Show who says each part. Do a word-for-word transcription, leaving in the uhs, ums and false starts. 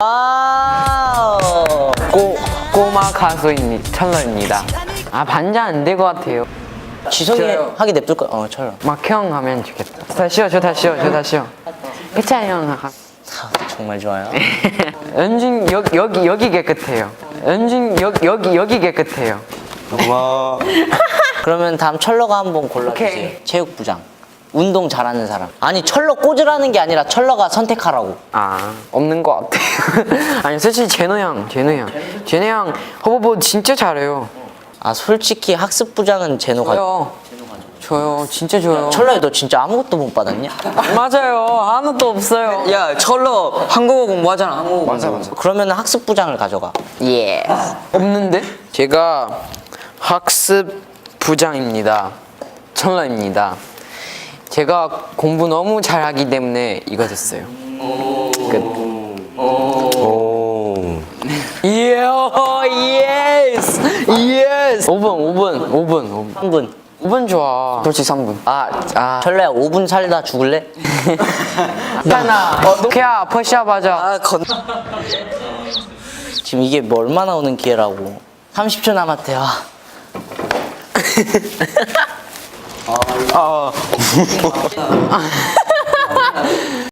Speaker 1: 와우.
Speaker 2: 꼬, 꼬마 가수입니다. 철러입니다. 아, 반장 안 될 것 같아요.
Speaker 1: 지성이
Speaker 2: 저요.
Speaker 1: 하게 냅둘 거야. 어, 철러.
Speaker 2: 막형 하면 좋겠다. 다시요, 저 다시요, 저 다시요. 해찬 형. 하-
Speaker 1: 아, 정말 좋아요.
Speaker 2: 연준 여, 여기 여기 깨끗해요. 연준 여, 여기 여기 깨끗해요.
Speaker 3: 고마워.
Speaker 1: 그러면 다음 철러가 한번 골라주세요.
Speaker 2: 오케이.
Speaker 1: 체육부장. 운동 잘하는 사람. 아니, 철러 꽂으라는 게 아니라 철러가 선택하라고.
Speaker 2: 아, 없는 것 같아요. 아니, 솔직히 제노 형, 제노 형, 제노 형 허버보 진짜 잘해요.
Speaker 1: 아, 솔직히 학습부장은 제노가.
Speaker 2: 저요, 저요, 진짜 저요.
Speaker 1: 철러야, 너 진짜 아무것도 못 받았냐?
Speaker 2: 맞아요, 하나도 없어요.
Speaker 4: 야, 철러 한국어 공부하잖아. 한국어
Speaker 2: 맞아,
Speaker 4: 공부.
Speaker 2: 맞아.
Speaker 1: 그러면 학습부장을 가져가.
Speaker 2: 예. 없는데? 제가 학습 부장입니다. 철러입니다. 제가 공부 너무 잘하기 때문에 이거 됐어요. 끝.
Speaker 3: 오.
Speaker 2: 예, 예스, 예스. 오 분, 오 분, 오 분, 오 분.
Speaker 1: 한 분.
Speaker 2: 오 분 좋아. 솔직히 삼 분. 아, 아.
Speaker 1: 철러야, 오 분 살다 죽을래?
Speaker 2: 하나. 그야, 퍼시아 맞아.
Speaker 4: 아, 건.
Speaker 1: 지금 이게 뭐 얼마나 오는 기회라고. 삼십 초 남았대요.
Speaker 3: 아.